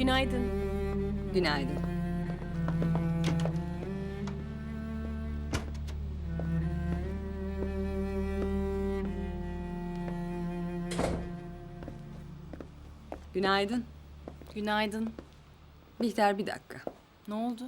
Günaydın. Günaydın. Günaydın. Günaydın. Bihter, bir dakika. Ne oldu?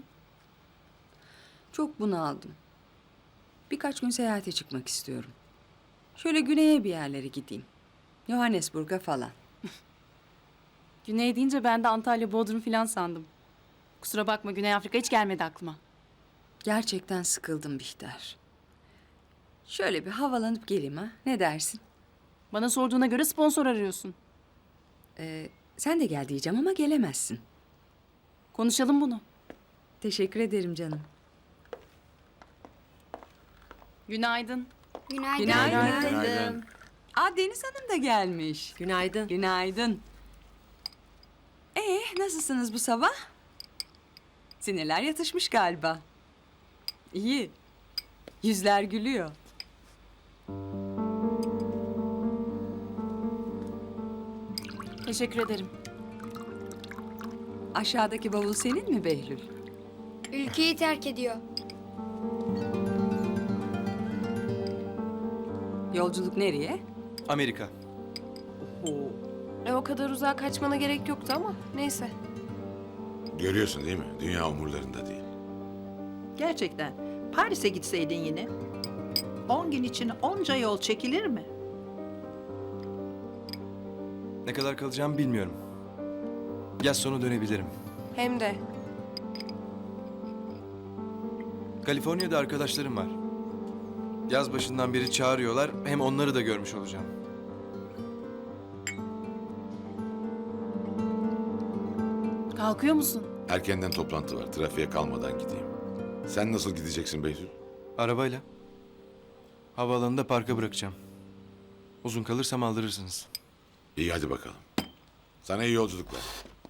Çok bunaldım. Birkaç gün seyahate çıkmak istiyorum. Şöyle güneye bir yerlere gideyim. Johannesburg'a falan. Güney deyince ben de Antalya, Bodrum falan sandım. Kusura bakma, Güney Afrika hiç gelmedi aklıma. Gerçekten sıkıldım Bihter. Şöyle bir havalanıp geleyim ha. Ne dersin? Bana sorduğuna göre sponsor arıyorsun. Sen de gel diyeceğim ama gelemezsin. Konuşalım bunu. Teşekkür ederim canım. Günaydın. Günaydın. Günaydın. Aa, Deniz Hanım da gelmiş. Günaydın. Günaydın. Nasılsınız bu sabah? Sinirler yatışmış galiba. İyi. Yüzler gülüyor. Teşekkür ederim. Aşağıdaki bavul senin mi Behlül? Ülkeyi terk ediyor. Yolculuk nereye? Amerika. O kadar uzağa kaçmana gerek yoktu ama neyse. Görüyorsun değil mi? Dünya umurlarında değil. Gerçekten. Paris'e gitseydin yine. 10 gün için onca yol çekilir mi? Ne kadar kalacağımı bilmiyorum. Yaz sonu dönebilirim. Hem de Kaliforniya'da arkadaşlarım var. Yaz başından beri çağırıyorlar. Hem onları da görmüş olacağım. Kalkıyor musun? Erkenden toplantı var. Trafiğe kalmadan gideyim. Sen nasıl gideceksin Behlül? Arabayla. Havaalanında parka bırakacağım. Uzun kalırsam aldırırsınız. İyi hadi bakalım. Sana iyi yolculuklar.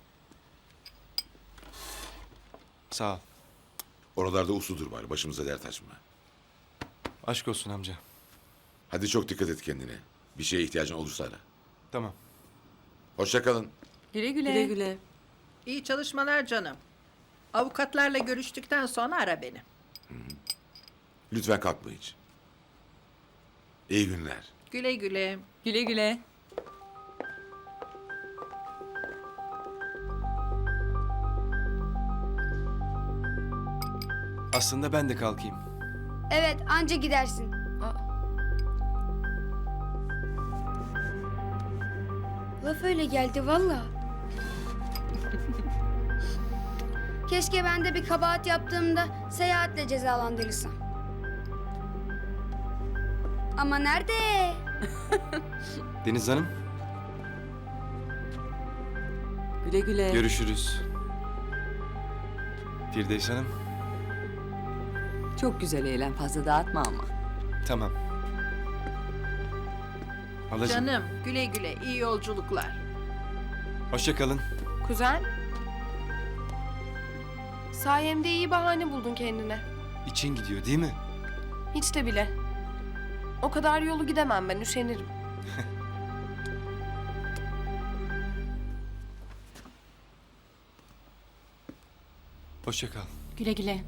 Sağ ol. Oralarda usludur bari. Başımıza dert açma. Aşk olsun amca. Hadi çok dikkat et kendine. Bir şeye ihtiyacın olursa ara. Tamam. Hoşça kalın. Güle güle. güle güle. İyi çalışmalar canım. Avukatlarla görüştükten sonra ara beni. Lütfen kalkma hiç. İyi günler. Güle güle. Güle güle. Aslında ben de kalkayım. Evet, anca gidersin. Laf öyle geldi valla. Keşke ben de bir kabahat yaptığımda seyahatle cezalandırılsam. Ama nerede? Deniz Hanım, Güle güle. görüşürüz. Firdevs Hanım, Çok güzel eğlen, fazla dağıtma ama. tamam. Halacığım, Canım güle güle. İyi yolculuklar. hoşça kalın. Kuzen. Sayemde iyi bahane buldun kendine. İçin gidiyor değil mi? Hiç de bile. O kadar yolu gidemem ben, üşenirim. Hoşça kal. Güle güle.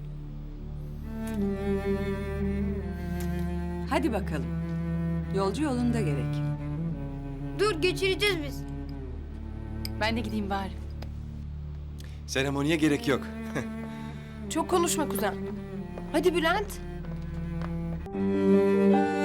Hadi bakalım. Yolcu yolunda gerek. Dur, geçireceğiz biz. Ben de gideyim bari. Seremoniye gerek yok. Çok konuşma kuzen. Hadi Bülent.